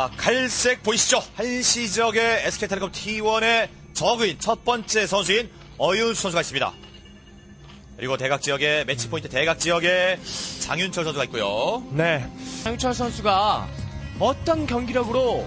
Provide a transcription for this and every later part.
자, 갈색 보이시죠? 한시 지역의 SK텔레콤 T1의 적인 첫 번째 선수인 어윤수 선수가 있습니다. 그리고 대각 지역에 매치 포인트 대각 지역에 장윤철 선수가 있고요. 네. 장윤철 선수가 어떤 경기력으로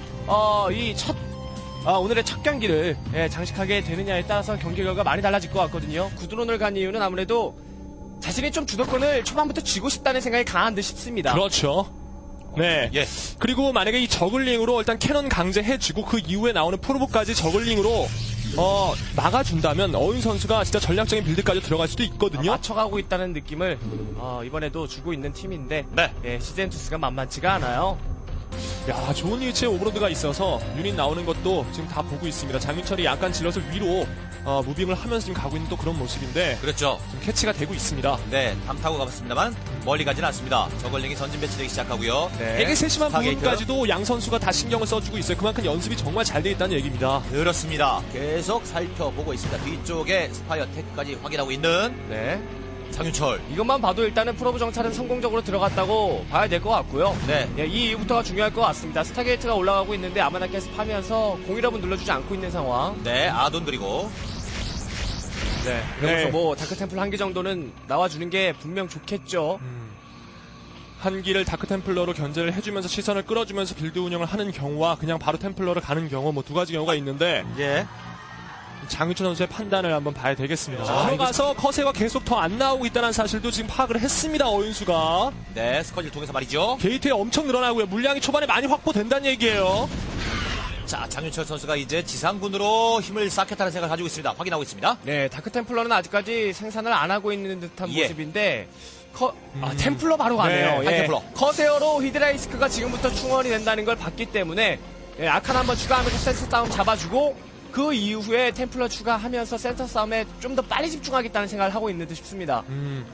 오늘의 첫 경기를 장식하게 되느냐에 따라서 경기 결과가 많이 달라질 것 같거든요. 구드론을 간 이유는 아무래도 자신이 좀 주도권을 초반부터 쥐고 싶다는 생각이 강한 듯 싶습니다. 그렇죠. 네. 예. 그리고 만약에 이 저글링으로 일단 캐논 강제해주고 그 이후에 나오는 프로브까지 저글링으로 막아준다면 어윤 선수가 진짜 전략적인 빌드까지 들어갈 수도 있거든요. 맞춰가고 있다는 느낌을 이번에도 주고 있는 팀인데 네. 시즌2가 만만치가 않아요. 야, 좋은 위치에 오버로드가 있어서 유닛 나오는 것도 지금 다 보고 있습니다. 장윤철이 약간 질럿을 위로 무빙을 하면서 지금 가고 있는 또 그런 모습인데 그렇죠. 지금 캐치가 되고 있습니다. 네, 담 타고 가봤습니다만 멀리 가지는 않습니다. 저걸링이 전진 배치되기 시작하고요. 되게 세심한 스타게이트. 부분까지도 양 선수가 다 신경을 써주고 있어요. 그만큼 연습이 정말 잘 돼 있다는 얘기입니다. 그렇습니다. 계속 살펴보고 있습니다. 뒤쪽에 스파이어 테크까지 확인하고 있는 네. 장윤철. 이것만 봐도 일단은 프로브 정찰은 성공적으로 들어갔다고 봐야 될 것 같고요. 네. 이 이후부터가 중요할 것 같습니다. 스타게이트가 올라가고 있는데 아마나께서 파면서 공일업은 눌러주지 않고 있는 상황. 네, 아돈 그리고 네. 그래서 네. 뭐 다크템플 한 개 정도는 나와주는 게 분명 좋겠죠. 한기를 다크템플러로 견제를 해주면서 시선을 끌어주면서 빌드 운영을 하는 경우와 그냥 바로 템플러를 가는 경우 뭐 두 가지 경우가 있는데 예. 장윤철 선수의 판단을 한번 봐야 되겠습니다. 자, 들어가서 커세가 계속 더 안 나오고 있다는 사실도 지금 파악을 했습니다. 어윤수가 네, 스쿼지를 통해서 말이죠. 게이트에 엄청 늘어나고요. 물량이 초반에 많이 확보된다는 얘기예요. 자, 장윤철 선수가 이제 지상군으로 힘을 쌓겠다는 생각을 가지고 있습니다. 확인하고 있습니다. 네, 다크템플러는 아직까지 생산을 안 하고 있는 듯한 예. 모습인데 템플러 바로 가네요. 네, 템플러. 커세어로 히드라이스크가 지금부터 충원이 된다는 걸 봤기 때문에 아칸 한번 추가하면서 센터 싸움 잡아주고 그 이후에 템플러 추가하면서 센터 싸움에 좀 더 빨리 집중하겠다는 생각을 하고 있는 듯 싶습니다.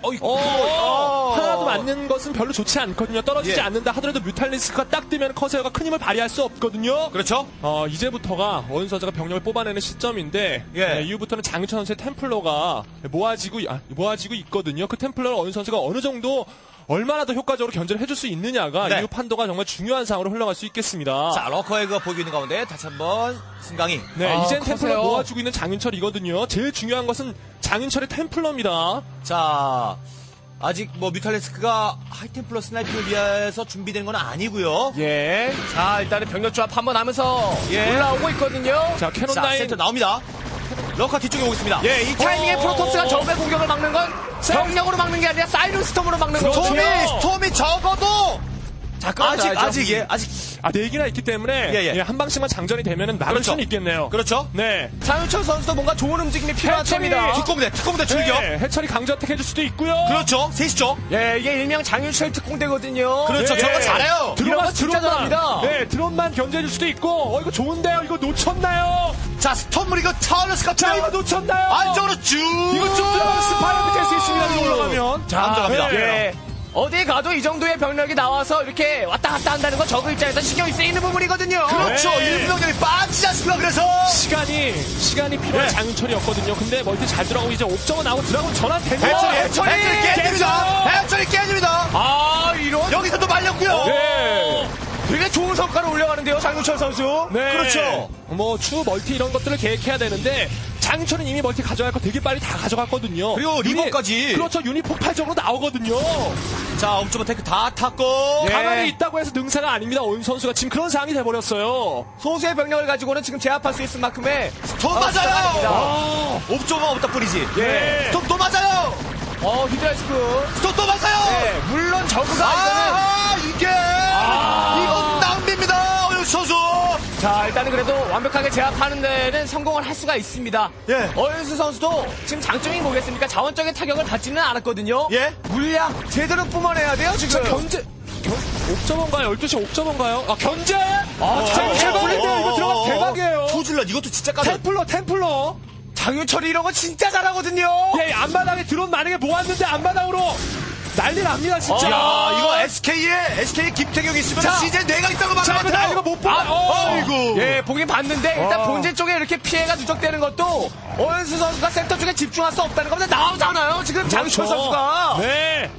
하나도 맞는 것은 별로 좋지 않거든요. 떨어지지 예. 않는다 하더라도 뮤탈리스크가 딱 뜨면 커세어가 큰 힘을 발휘할 수 없거든요. 그렇죠? 이제부터가 어윤 선수가 병력을 뽑아내는 시점인데 예. 이후부터는 장윤철 선수의 템플러가 모아지고 있거든요. 그 템플러를 어윤 선수가 어느 정도 얼마나 더 효과적으로 견제를 해줄 수 있느냐가 네. 이후 판도가 정말 중요한 상으로 흘러갈 수 있겠습니다. 자, 러커에그가 보이고 있는 가운데 다시 한번 승강이. 네, 이젠 템플러 커세어. 모아주고 있는 장윤철이거든요. 제일 중요한 것은 장윤철의 템플러입니다. 자, 아직 뭐 뮤탈리스크가 하이템플러 스나이핑을 위해서 준비된 건 아니고요. 예. 자, 일단은 병력 조합 한번 하면서 예. 올라오고 있거든요. 자, 캐논 자, 라인 센터 나옵니다. 러커 뒤쪽에 오고 있습니다. 예, 이 타이밍에 프로토스가 적의 공격을 막는 건 병력으로 막는 게 아니라 사이런 스톰으로 막는 거죠. 스톰이 적어도 자, 아직 네 개나 있기 때문에 예. 한 방씩만 장전이 되면은 막을 그렇죠. 수는 있겠네요. 그렇죠? 네. 장윤철 선수도 뭔가 좋은 움직임이 필요한 해철이 템이다. 특공대 출격. 네, 해철이 강제어택 해줄 수도 있고요. 그렇죠. 셋이죠. 예, 이게 일명 장윤철 특공대거든요. 그렇죠. 예. 저런 거 잘해요. 이런 거 진짜 잘합니다. 네, 드론만 견제해줄 수도 있고, 이거 좋은데요? 이거 놓쳤나요? 자, 스톰을 이거 찰러스 자, 이거 같은 놓쳤나요? 안쪽으로 쭉. 이거 쭉 들어가면 스파이어도 될 수 있습니다. 이거 올라가면. 자, 들어갑니다. 예. 어디 가도 이 정도의 병력이 나와서 이렇게 왔다 갔다 한다는 건 적의 입장에서 신경이 쓰이는 부분이거든요. 그렇죠. 네. 일부 병력이 빠지지 않습니까? 그래서 시간이 필요한 네. 장윤철이었거든요. 근데 멀티 잘 들어가고 이제 옵저버 나오고 드라곤 전환 되고. 해철이 깨집니다. 해철이 깨집니다. 아, 이런 여기서 또 말렸고요. 네. 되게 좋은 성과를 올려가는데요, 장윤철 선수. 네. 그렇죠. 뭐 추 멀티 이런 것들을 계획해야 되는데 장윤철은 이미 멀티 가져갈 거 되게 빨리 다 가져갔거든요. 그리고 리버까지. 그렇죠. 유닛 폭발적으로 나오거든요. 자, 옵저버 테크 다 탔고. 예. 가만히 있다고 해서 능사가 아닙니다. 어윤 선수가 지금 그런 상황이 돼버렸어요. 소수의 병력을 가지고는 지금 제압할 수 있을 만큼의 또 맞아요. 대단합니다. 옵저버가 없다 뿐이지. 예. 스톰 또 맞아요. 히드라이스크. 스톰 또 맞아요. 네, 물론 저그가 이게 이건 낭비입니다. 어윤 선수. 자, 일단은 그래도 완벽하게 제압하는 데는 성공을 할 수가 있습니다. 예. 어윤수 선수도 지금 장점이 뭐겠습니까? 자원적인 타격을 받지는 않았거든요. 예. 물량 제대로 뿜어내야 돼요, 지금. 옵저버인가요? 12시 옵저버인가요? 견제! 장윤철 대박인데요. 이거 들어가면 대박이에요. 투질럿 이것도 진짜 까다. 템플러. 장윤철이 이런 거 진짜 잘하거든요. 예, 앞마당에 드론 만약에 모았는데 앞마당으로 난리 납니다, 진짜. 야, 이거 SK 김태경이 있으면 자. CJ 내가 있다고 자, 이거 말하면 난리가 못 보아. 아이고. 예, 보긴 봤는데 일단 본진 쪽에 이렇게 피해가 누적되는 것도 어윤수 선수가 센터 쪽에 집중할 수 없다는 겁니다. 나오잖아요, 지금 장윤철 선수가. 네.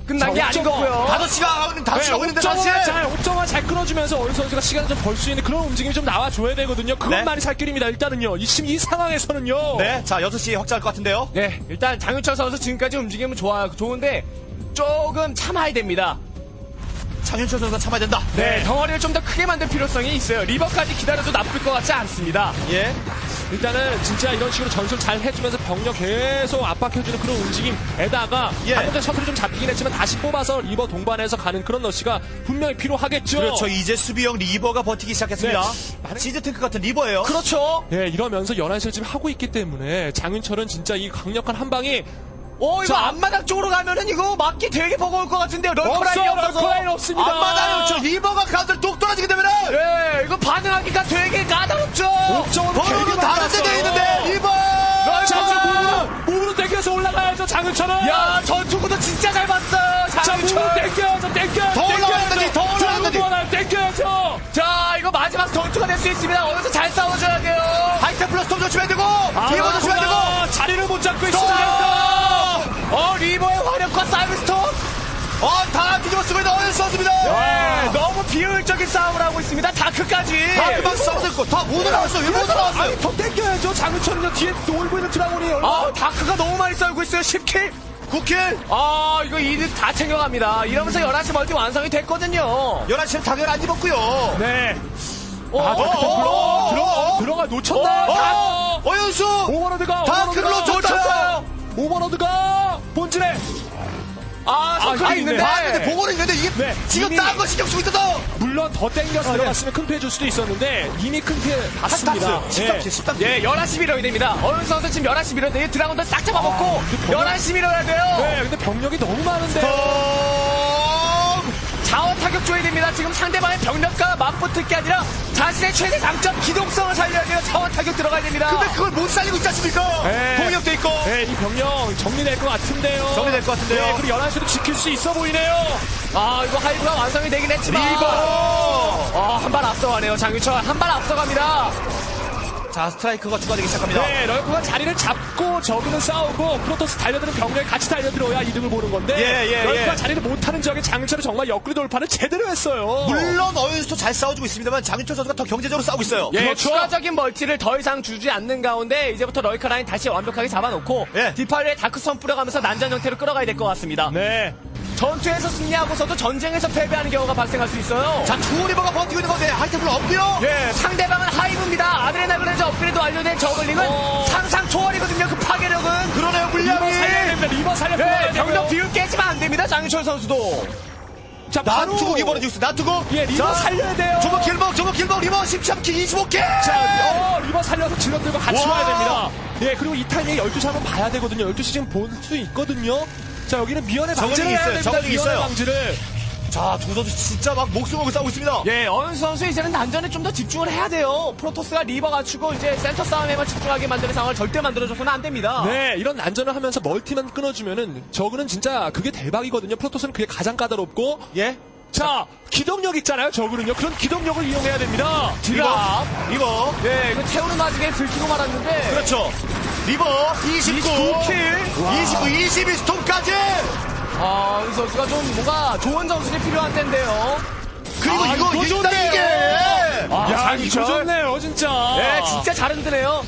끝난 게 아닌 거고요. 5시가 하고 있는데 다시. 옵저만 잘 끊어주면서 어윤 선수가 시간을 좀 벌 수 있는 그런 움직임이 좀 나와줘야 되거든요. 그것만이 살 길입니다. 일단은요. 지금 이 상황에서는요. 네, 자 6시에 확장할 것 같은데요. 네, 일단 장윤철 선수 지금까지 움직임은 좋은데 조금 참아야 됩니다. 장윤철 선수가 참아야 된다. 네, 덩어리를 좀 더 크게 만들 필요성이 있어요. 리버까지 기다려도 나쁠 것 같지 않습니다. 예. 일단은 진짜 이런 식으로 전술 잘 해주면서 병력 계속 압박해주는 그런 움직임에다가 예. 방금 전 셔틀이 좀 잡히긴 했지만 다시 뽑아서 리버 동반해서 가는 그런 러시가 분명히 필요하겠죠. 그렇죠. 이제 수비형 리버가 버티기 시작했습니다. 네. 시즈 탱크 같은 리버예요. 그렇죠. 네, 이러면서 11시를 지금 하고 있기 때문에 장윤철은 진짜 이 강력한 한 방이 이거 자, 앞마당 쪽으로 가면은 이거 맞기 되게 버거울 것 같은데요. 럴커라인이 없어서. 럴커라인 없습니다. 앞마당에 없죠. 리버가 가운데를 똑 떨어지게 되면은 네, 이거 반응하기가 되게 까다롭죠. 옵저으로 버로는 다른 데돼 있는데 리버. 자, 몸으로 땡겨서 올라가야죠, 장윤철은. 야, 전투구도 진짜 잘 봤어요. 자, 장윤철. 몸으로 땡겨야죠, 더 올라가야지, 더 올라가야지. 땡겨야죠. 자, 이거 마지막 전투가 될 수 있습니다. 어디서 잘 싸워줘야 돼요. 하이템 플러스 톰 조심해야 되고 리버 조심해야 되고. 자리를 못 잡고 스톱! 있습니다. 리버의 화력과 사이버스톤. 다 뒤집어 쓰고 있는 어윤 선수입니다. 네, 너무 비효율적인 싸움을 하고 있습니다. 다크까지. 다크막 싸우고 있고 다 못 올라왔어요. 못 올라왔어요. 아니, 더 땡겨야죠. 장윤철은요, 뒤에 놀고 있는 드라곤이 얼마. 다크가 너무 많이 썰고 있어요. 10킬. 9킬. 이거 이득 다 챙겨갑니다. 이러면서 11시 멀티 완성이 됐거든요. 11시는 당연 안 입었고요. 네. 어, 들어가 놓쳤나요? 어윤수. 오버로드가 다크를 놓쳤어요. 오버로드가 본진에 서클이 있는데. 봤는데 보고는 있는데 이게 네, 지금 이미- 딴 거 신경 쓰고 있어서 물론 더 땡겨서 들어갔으면 큰 피해 줄 수도 있었는데 이미 큰 피해 봤습니다. 13킬. 예, 11시 밀어야 됩니다. 어윤 선수 지금 11시 밀어야 돼요. 드라곤들 싹 잡아먹고 11시 밀어야 돼요. 네, 근데 병력이 너무 많은데. 자원 타격 줘야 됩니다. 지금 상대방의 병력과 맞붙을 게 아니라 자신의 최대 강점 기동성을 살려야 돼요. 자원 타격 들어가야 됩니다. 근데 그걸 못 살리고 있지 않습니까? 네. 공격돼 있고. 네, 이 병력 정리될 것 같은데요. 정리될 것 같은데요. 네, 그리고 11시도 지킬 수 있어 보이네요. 이거 하이브가 완성이 되긴 했지만 리버. 한 발 앞서가네요. 장윤철 한 발 앞서갑니다. 자, 스트라이크가 추가되기 시작합니다. 네, 럴커가 자리를 잡고 저그는 싸우고 프로토스 달려드는 병력이 같이 달려들어야 이득을 보는 건데 예. 럴커가 자리를 못하는 지역에 장윤철이 정말 옆구리 돌파를 제대로 했어요. 물론 어윤수도 잘 싸워주고 있습니다만 장윤철 선수가 더 경제적으로 싸우고 있어요. 예, 그렇죠. 추가적인 멀티를 더 이상 주지 않는 가운데 이제부터 럴커 라인 다시 완벽하게 잡아놓고 예. 디파일에 다크선 뿌려가면서 난전 형태로 끌어가야 될 것 같습니다. 네. 전투에서 승리하고서도 전쟁에서 패배하는 경우가 발생할 수 있어요. 자, 투리버가 버티고 있는 건데 하이템플 없고요. 예, 상대방은 하이브입니다. 아드레나그레즈 업그레이드 완료된 저글링은 상상 초월이거든요. 그 파괴력은. 그러네요, 리버 물량이. 살려야 됩니다. 리버 살려. 네, 병력 비율 깨지면 안 됩니다. 장윤철 선수도. 자, 바로 나투국 이번에 뉴스 나투국. 예, 리버 자, 살려야 돼요. 저거 길먹 리버 13킬 25킬. 자, 리버 살려서 질럿들과 같이 와. 와야 됩니다. 예, 그리고 이 타이밍에 12시 한번 봐야 되거든요. 12시 지금 볼 수 있거든요. 자, 여기는 미연의 방지를 저글링이 해야 있어요. 됩니다. 저글링이 미연의 있어요. 방지를. 자, 두 선수 진짜 막 목숨 걸고 싸우고 있습니다. 예, 어윤 선수 이제는 난전에 좀 더 집중을 해야 돼요. 프로토스가 리버 갖추고 이제 센터 싸움에만 집중하게 만드는 상황을 절대 만들어줘서는 안 됩니다. 네, 이런 난전을 하면서 멀티만 끊어주면은 저그는 진짜 그게 대박이거든요. 프로토스는 그게 가장 까다롭고. 예. 자, 기동력 있잖아요. 저그는요. 그런 기동력을 이용해야 됩니다. 리버. 예, 이거 태우는 와중에 들키고 말았는데. 그렇죠. 리버 29. 29킬. 29, 22 스톰까지. 어윤 선수가 좀 뭔가 좋은 전술이 필요한 텐데요. 그리고 이거 이거 일단 좋네요. 이게. 야, 이거 좋네요, 진짜. 예, 진짜 잘 흔드네요.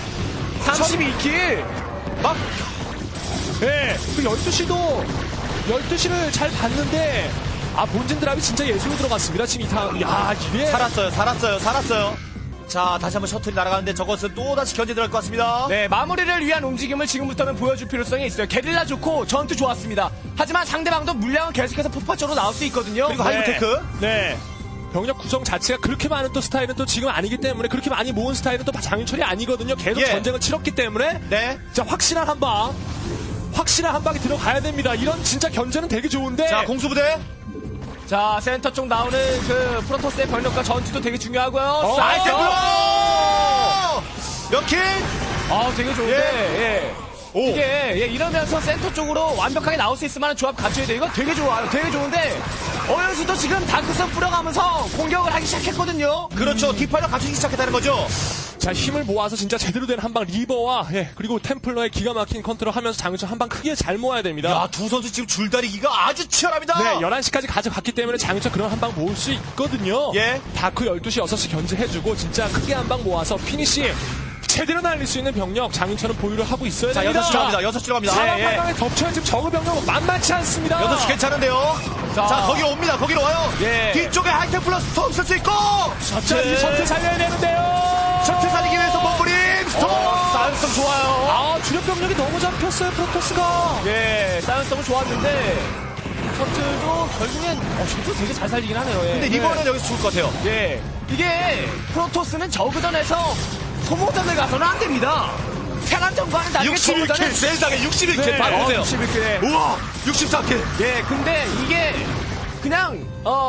32킬. 막. 예, 그 12시를 잘 봤는데, 본진 드랍이 진짜 예술로 들어갔습니다. 지금 이게. 살았어요. 자, 다시 한번 셔틀이 날아가는데 저것은 또다시 견제 들어갈 것 같습니다. 네, 마무리를 위한 움직임을 지금부터는 보여줄 필요성이 있어요. 게릴라 좋고 전투 좋았습니다. 하지만 상대방도 물량은 계속해서 폭발적으로 나올 수 있거든요. 그리고 하이브테크. 네. 병력 구성 자체가 그렇게 많은 또 스타일은 또 지금 아니기 때문에 그렇게 많이 모은 스타일은 또 장윤철이 아니거든요. 계속 예. 전쟁을 치렀기 때문에. 네. 자, 확실한 한 방이 들어가야 됩니다. 이런 진짜 견제는 되게 좋은데. 자, 공수부대. 자, 센터 쪽 나오는 그 프로토스의 병력과 전투도 되게 중요하고요. 하이템플러! 몇 킬? 되게 좋은데, 이게, 이러면서 센터 쪽으로 완벽하게 나올 수 있을 만한 조합 갖춰야 돼요. 이거 되게 좋아요. 되게 좋은데, 어윤수도 지금 다크선 뿌려가면서 공격을 하기 시작했거든요. 그렇죠. 뒷팔로 갖추기 시작했다는 거죠. 자, 힘을 모아서 진짜 제대로 된 한방 리버와 그리고 템플러의 기가 막힌 컨트롤 하면서 장윤철 한방 크게 잘 모아야 됩니다. 야, 두 선수 지금 줄다리기가 아주 치열합니다. 네, 11시까지 가져갔기 때문에 장윤철 그런 한방 모을 수 있거든요. 예. 다크 12시, 6시 견제해주고 진짜 크게 한방 모아서 피니시 제대로 날릴 수 있는 병력 장윤철은 보유를 하고 있어야 자, 됩니다. 6시로 갑니다. 6시로 갑니다. 사방 예, 예. 방방에 덮쳐야 지금 적의 병력 만만치 않습니다. 6시 괜찮은데요. 자, 거기로 옵니다. 거기로 와요. 예. 뒤쪽에 하이템플러 스톰 쓸 수 있고. 자, 이 셔틀 살려야 되는데요. 셔틀 살리기 위해서 몸부림 스톰. 사이언스톰 좋아요. 아, 주력 병력이 너무 잡혔어요, 프로토스가. 예, 사이언스톰은 좋았는데 셔틀도 결국엔 셔틀 되게 잘 살리긴 하네요. 예. 근데 리버는 여기서 죽을 것 같아요. 예, 이게 프로토스는 저그전에서 소모전을 가서는 안 됩니다. 테란전과는 다르게 61킬 세상에 61킬 네, 바로 보세요. 61킬. 우와 64킬. 예, 근데 이게 그냥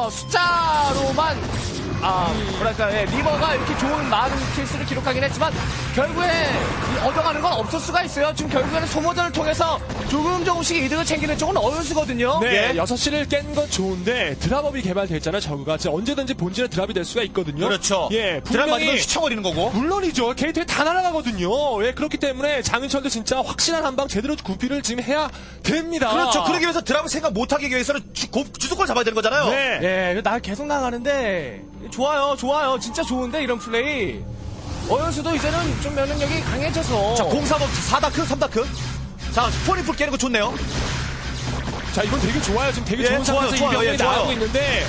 숫자로만 뭐랄까, 리버가 이렇게 좋은 많은 킬수를 기록하긴 했지만 결국에 얻어가는 건 없을 수가 있어요. 지금 결국에는 소모전을 통해서 조금씩 이득을 챙기는 쪽은 어윤수거든요. 네, 예. 6시를 깬 건 좋은데 드랍업이 개발됐잖아요, 저그가. 진짜 언제든지 본진에 드랍이 될 수가 있거든요. 그렇죠. 예, 드랍 맞으면 분명히 휘청거리는 거고. 물론이죠. 게이트에 다 날아가거든요. 예, 그렇기 때문에 장윤철도 진짜 확실한 한방 제대로 구피를 지금 해야 됩니다. 그렇죠. 그러기 위해서 드랍을 생각 못하기 위해서는 주도권 잡아야 되는 거잖아요. 네. 예, 나 계속 나가는데 좋아요. 진짜 좋은데 이런 플레이. 어윤수도 이제는 좀 면역력이 강해져서. 자, 035 4다크 3다크. 자, 스포니풀 깨는 거 좋네요. 자, 이건 되게 좋아요. 지금 되게 예, 좋은 좋아요, 상태에서 좋아요. 이 병력이 예, 좋아요. 나가고 있는데.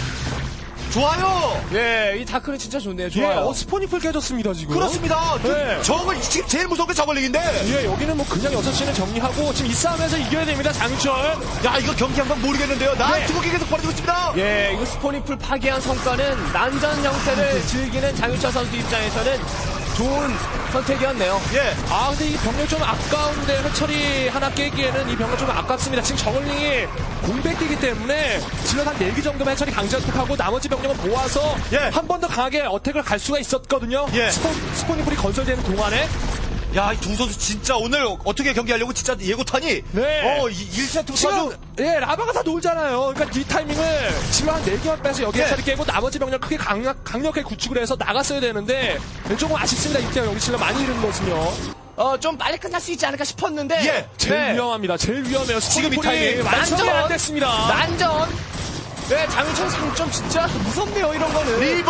좋아요. 예, 이 다크는 진짜 좋네요. 예, 좋아요. 스포니풀 깨졌습니다, 지금. 그렇습니다. 네. 저걸 지금 제일 무서운 게 저걸링인데. 예, 여기는 뭐 그냥 6시는 정리하고 지금 이 싸움에서 이겨야 됩니다, 장윤철. 야, 이거 경기 한번 모르겠는데요. 나 네. 두고기 계속 벌어지고 있습니다. 예, 이거 스포니풀 파괴한 성과는 난전 형태를 즐기는 장윤철 선수 입장에서는 좋은 선택이었네요. 예. 아, 근데 이 병력 좀 아까운데 해처리 하나 깨기에는 이 병력 좀 아깝습니다. 지금 저글링이 공백기이기 때문에 질럿 한 4기 정도만 해처리 강제 어택하고 나머지 병력은 모아서 예. 한 번 더 강하게 어택을 갈 수가 있었거든요. 예. 스포니풀이 건설되는 동안에. 야, 이 두 선수 진짜 오늘 어떻게 경기하려고 진짜 예고타니? 네. 1세트부터 지금 아주. 예, 라바가 다 놀잖아요. 그러니까 이 타이밍을 지금 한 4개만 빼서 여기 예. 해처리 깨고 나머지 병력 크게 강력하게 구축을 해서 나갔어야 되는데 조금 아쉽습니다. 이때 여기 질럿 많이 잃은 것은요. 좀 빨리 끝날 수 있지 않을까 싶었는데. 예, 제일 위험합니다. 제일 위험해요. 지금 이 스포니풀이 타이밍. 완성이 안 난전. 됐습니다. 난전. 네, 장윤철 상점 진짜 무섭네요, 이런 거는. 리버!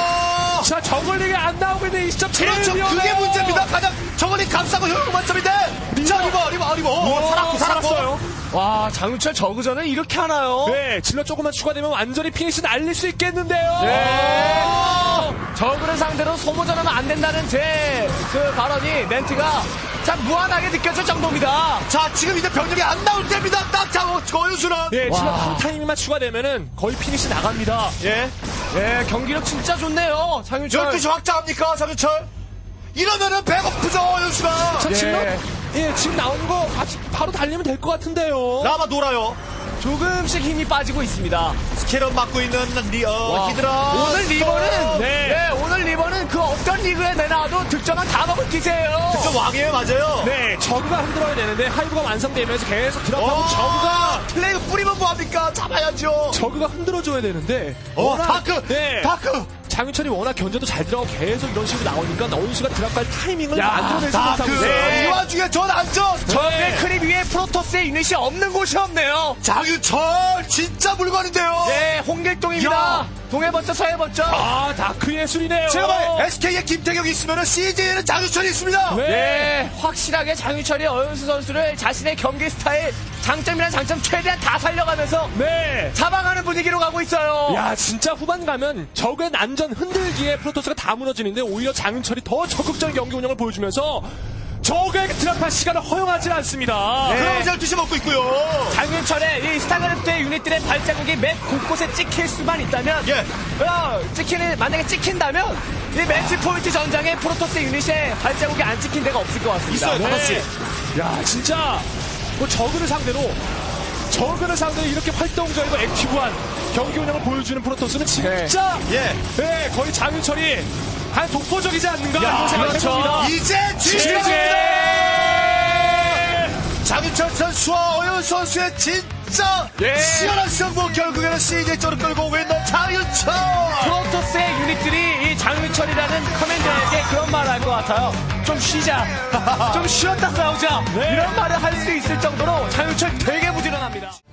자, 저글링이 안 나오고 있는 이 시점 제일 그렇죠. 위험해요. 그게 문제입니다. 가장 저걸링 감싸고 효율 만점인데. 자, 리버. 살았고. 살았어요. 와, 장윤철 저그전을 이렇게 하나요? 네, 질러 조금만 추가되면 완전히 피니시 날릴 수 있겠는데요. 네. 저그를 상대로 소모전하면 안 된다는 제 그 발언이 멘트가 참 무한하게 느껴질 정도입니다. 자, 지금 이제 병력이 안 나올 때입니다. 딱 잡아, 거윤수는. 네, 질러 와. 한 타이밍만 추가되면은 거의 피니시 나갑니다. 예. 예, 경기력 진짜 좋네요, 장윤철. 12시 확장합니까, 장윤철? 이러면은 배고프죠, 윤수가. 자, 예. 질러 지금 나오는 거 바로 달리면 될 것 같은데요. 라마 놀아요. 조금씩 힘이 빠지고 있습니다. 스케럿 맡고 있는 와. 히드라. 오늘 리버는 네. 오늘 리버는 그 어떤 리그에 내놔도 득점한 다 먹을 기세예요. 좀 왕이에요, 맞아요. 네, 저그가 흔들어야 되는데 하이브가 완성되면서 계속 드랍하고 저그가 플레이가 뿌리면 뭐합니까? 잡아야죠. 저그가 흔들어줘야 되는데 다크. 네. 다크. 장윤철이 워낙 견제도 잘 들어가고 계속 이런 식으로 나오니까 어윤수가 드랍할 타이밍을 야, 만들어내지 다크. 못하고 있어요. 이 와중에 전 안전. 저의 크립 위에 프로토스의 유닛이 없는 곳이 없네요. 장윤철 진짜 물건인데요. 네, 홍길동입니다. 야. 동해 번쩍 서해 번쩍. 아, 다크 예술이네요. 제가 말해 SK의 김태경이 있으면 CJ에는 장윤철이 있습니다. 네. 네, 확실하게 장윤철이 어윤수 선수를 자신의 경기 스타일 장점이란 장점 최대한 다 살려가면서 네. 잡아가는 분위기로 가고 있어요. 야, 진짜 후반 가면 적의 난전 흔들기에 프로토스가 다 무너지는데 오히려 장윤철이 더 적극적인 경기 운영을 보여주면서 적에게 드랍할 시간을 허용하지 않습니다. 네. 그러면서 12시 먹고 있고요. 장윤철의 이 스타그래프트의 유닛들의 발자국이 맵 곳곳에 찍힐 수만 있다면, 예. 만약에 찍힌다면 이 매치 포인트 전장에 프로토스 유닛의 발자국이 안 찍힌 데가 없을 것 같습니다. 있어요, 네. 5시. 야, 진짜 뭐 저그를 상대로 이렇게 활동적이고 액티브한 경기 운영을 보여주는 프로토스는 진짜 예. 네, 거의 장윤철이 한 독보적이지 않는가 야, 이런 생각을 그렇죠. 해봅니다. 이제 진짜입니다. 장윤철 선수와 어윤 선수의 진짜 예. 시원한 승부 결국에는 CJ 쪽으로 끌고 오고 있는 장윤철. 프로토스의 유닛들이 이 장윤철이라는 커맨더에게 그런 말을 할 것 같아요. 좀 쉬자. 좀 쉬었다 싸우자. 이런 말을 할 수 있을 정도로 장윤철 되게 부지런합니다.